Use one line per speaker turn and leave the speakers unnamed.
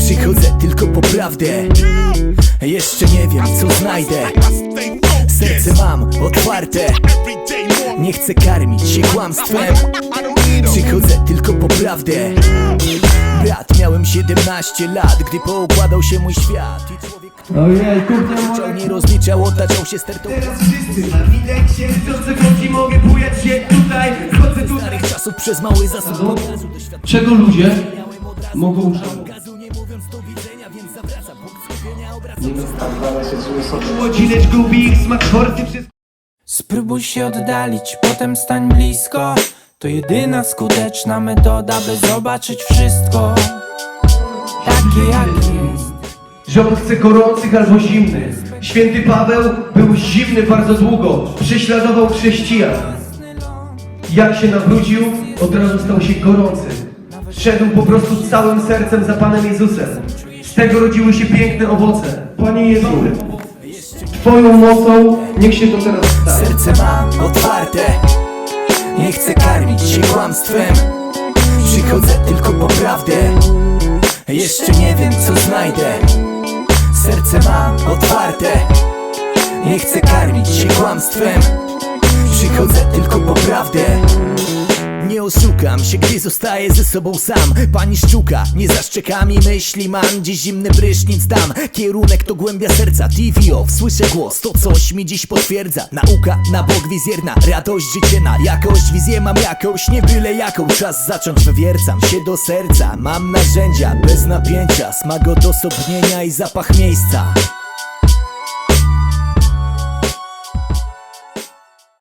Przychodzę tylko po prawdę. Jeszcze nie wiem co znajdę. Serce mam otwarte. Nie chcę karmić się kłamstwem. Przychodzę tylko po prawdę. Brat, miałem 17 lat, gdy poukładał się mój świat i człowiek,
Ojej, kurde,
nie rozliczał, otaczał się stertą.
teraz wszyscy na widać się, w sekundzie mogę bujać się tutaj, chodzę tutaj.
Starych czasów przez mały zasób.
Czego ludzie mogą żałować?
Nie mówiąc do widzenia, więc zawracam punkt skupienia, obracam.
Młodzinecz gubi ich smak forsy przez...
Spróbuj się oddalić, potem stań blisko. To jedyna skuteczna metoda, by zobaczyć wszystko takie jak jest.
Rząd chce gorących albo zimnych. Święty Paweł był zimny bardzo długo, prześladował chrześcijan. Jak się nawrócił, od razu stał się gorący. Szedł po prostu całym sercem za Panem Jezusem. Z tego rodziły się piękne owoce. Panie Jezu, Twoją mocą niech się to teraz stanie.
Serce mam otwarte. Nie chcę karmić się kłamstwem. Przychodzę tylko po prawdę. Jeszcze nie wiem co znajdę. Serce mam otwarte. Nie chcę karmić się kłamstwem. Przychodzę tylko po prawdę. Nie oszukam się, gdy zostaję ze sobą sam. Pani szczuka, nie za szczekami myśli mam. Dziś zimny prysznic dam. Kierunek to głębia serca, TV off. Słyszę głos, to coś mi dziś potwierdza. Nauka na bok wizjerna, radość życie na jakość. Wizję mam jakąś, nie byle jaką. Czas zacząć, wywiercam się do serca. Mam narzędzia, bez napięcia. Smak odosobnienia i zapach miejsca.